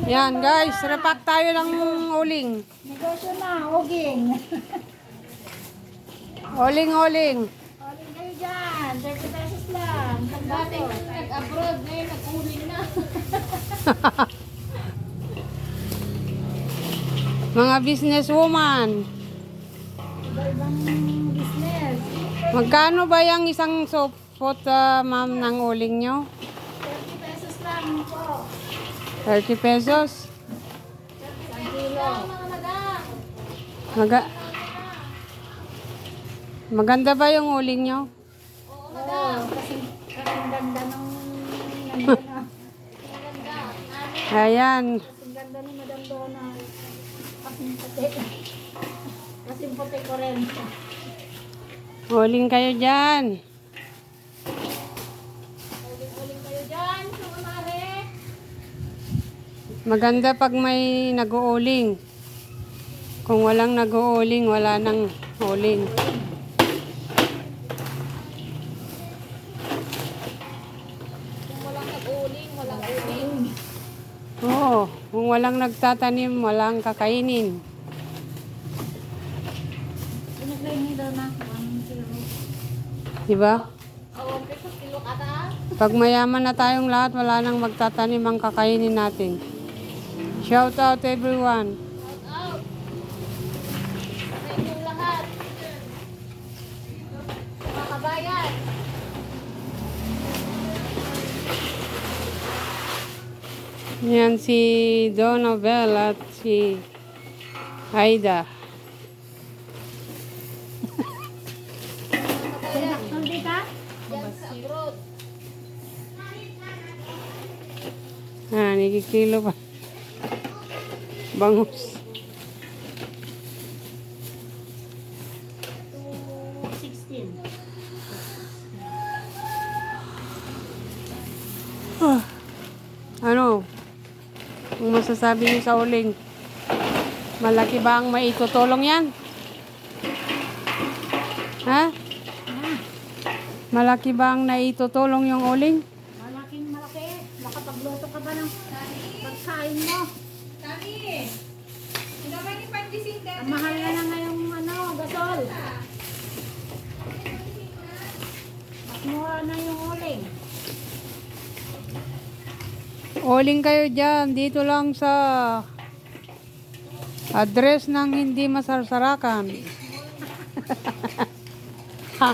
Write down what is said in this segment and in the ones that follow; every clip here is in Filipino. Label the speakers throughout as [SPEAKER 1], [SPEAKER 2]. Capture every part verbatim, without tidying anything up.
[SPEAKER 1] Yan guys, repack tayo ng uling.
[SPEAKER 2] Negosyo na, oging.
[SPEAKER 1] Uling-uling.
[SPEAKER 2] Oging kayo dyan, thirty pesos lang.
[SPEAKER 3] Dati nag-abroad, ngayon nag-uling na.
[SPEAKER 1] Mga businesswoman.
[SPEAKER 2] Iba-ibang business.
[SPEAKER 1] Magkano ba yung isang sopot, uh, ma'am, ng uling nyo?
[SPEAKER 2] thirty pesos lang po.
[SPEAKER 1] thirty pesos.
[SPEAKER 2] Isang kilo.
[SPEAKER 3] Mga madam.
[SPEAKER 1] Maga Maganda ba yung uling nyo?
[SPEAKER 3] Oo,
[SPEAKER 2] Oo,
[SPEAKER 3] madam.
[SPEAKER 2] kasi kasing ganda nung nandun ah.
[SPEAKER 3] Maganda. Namin.
[SPEAKER 1] Ayan.
[SPEAKER 2] Kasing ganda ni Madam Donna. Kasing puti. Kasing puti ko rin.
[SPEAKER 1] Uling kayo dyan.
[SPEAKER 3] Uling-uling kayo dyan. Sumamari.
[SPEAKER 1] Maganda pag may nag-uuling. Kung walang nag-uuling, wala nang uling.
[SPEAKER 3] Kung walang nag-uling, walang uling.
[SPEAKER 1] Oo, kung walang nagtatanim, walang kakainin.
[SPEAKER 2] Pinaglay ni Donna. One kilo.
[SPEAKER 1] Diba?
[SPEAKER 3] Awang pesos kilo kata.
[SPEAKER 1] Pag mayaman na tayong lahat, wala nang magtatanim ang kakainin natin. Shout out everyone.
[SPEAKER 3] Shout out. Sa inyong lahat. Mga kabayan.
[SPEAKER 1] Yan si Donabel at si Aida.
[SPEAKER 3] Mga kabayan.
[SPEAKER 2] Hindi ka?
[SPEAKER 3] Diyan sa abroad.
[SPEAKER 1] Ah, nagkikilo pa. Bangus.
[SPEAKER 2] two sixteen.
[SPEAKER 1] Ano? Ang masasabi niyo sa uling? Malaki ba ang maitutulong yan? Ha? Malaki ba ang naitutulong yung uling?
[SPEAKER 2] Malaking malaki. Nakapagluto ka ba ng pagkain mo? Ang mahal na na ngayong ano, gasol. Mas mura na yung uling.
[SPEAKER 1] Uling kayo dyan. Dito lang sa address ng hindi masarsarakan. Ha?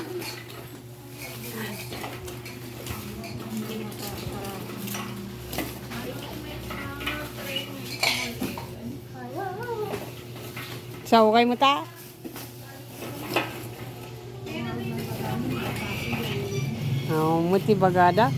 [SPEAKER 1] Sa ukay mo ta? Oh, muti bagada.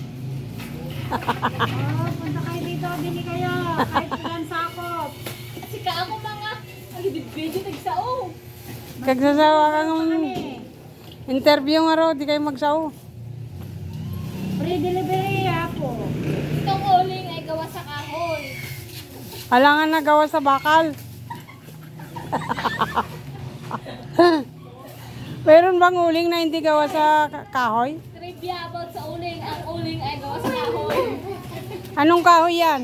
[SPEAKER 2] Oh, punta kayo dito, bili kayo. Kahit ilan sakop.
[SPEAKER 3] Kasi ka ako mga. Ay, video nagsao.
[SPEAKER 1] Kagsasawa kang
[SPEAKER 2] Kami.
[SPEAKER 1] interview nga ro, di kayo magsaw.
[SPEAKER 2] Free delivery ako.
[SPEAKER 3] Itong uling ay gawa sa kahoy.
[SPEAKER 1] Alangan na gawa sa bakal. Meron bang uling na hindi gawa sa ka- kahoy?
[SPEAKER 3] Trivia about sa uling. Ang uling ay gawa sa kahoy.
[SPEAKER 1] Anong kahoy yan?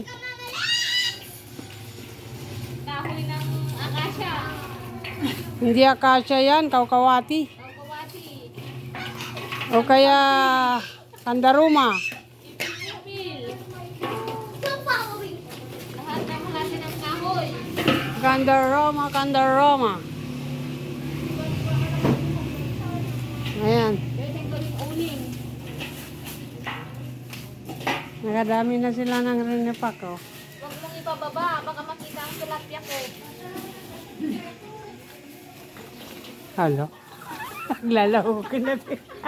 [SPEAKER 3] Kahoy ng akasya.
[SPEAKER 1] Hindi akasya yan, kaukawati.
[SPEAKER 3] Kawkawati.
[SPEAKER 1] O kaya kandaruma.
[SPEAKER 3] Ipil. Lahat ng klase ng kahoy.
[SPEAKER 1] Kandaroma, kandaroma. Ayan,
[SPEAKER 3] Pwedeng gawing uling.
[SPEAKER 1] nakadami na sila ng rinipak, oh.
[SPEAKER 3] Huwag mong ipababa. Baka makita ang tilapia ko.
[SPEAKER 1] Halo. Naglalaho ko na.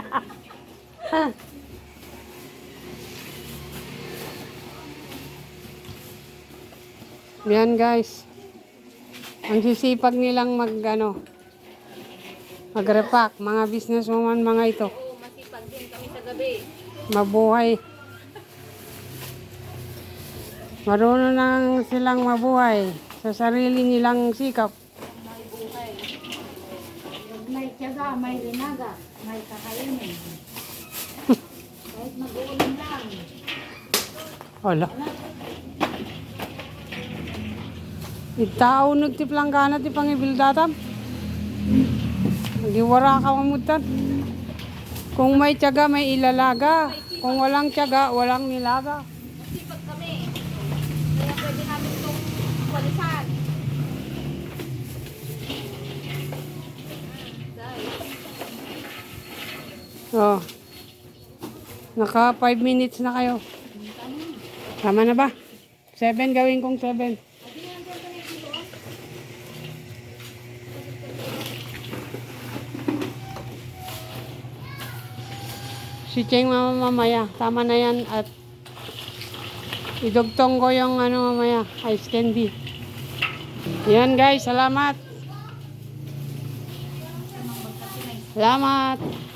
[SPEAKER 1] Yan guys. Ang sisipag nilang mag ano, mag-repack. Mga businesswoman mga ito.
[SPEAKER 3] Oo, masipag din kami sa gabi.
[SPEAKER 1] Mabuhay. Marunong na silang mabuhay sa sarili nilang sikap.
[SPEAKER 3] May buhay.
[SPEAKER 2] May tiyaga, may linaga, may kakainin. Kahit mag-uuling lang.
[SPEAKER 1] Hala. Itao nagtiplang ganat ti pangibildatam. Hindi wara ka mamutan. Kung may tiyaga, may ilalaga. Kung walang tiyaga, walang nilaga.
[SPEAKER 3] Masipag kami. Kaya pwede namin itong walisan.
[SPEAKER 1] Oh. Naka five minutes na kayo. Tama na ba? seven gawin kong seven. Si Cheng mama mamaya. Tama na yan at idugtong ko yung ano mamaya, ice candy. Yan guys, salamat. Salamat.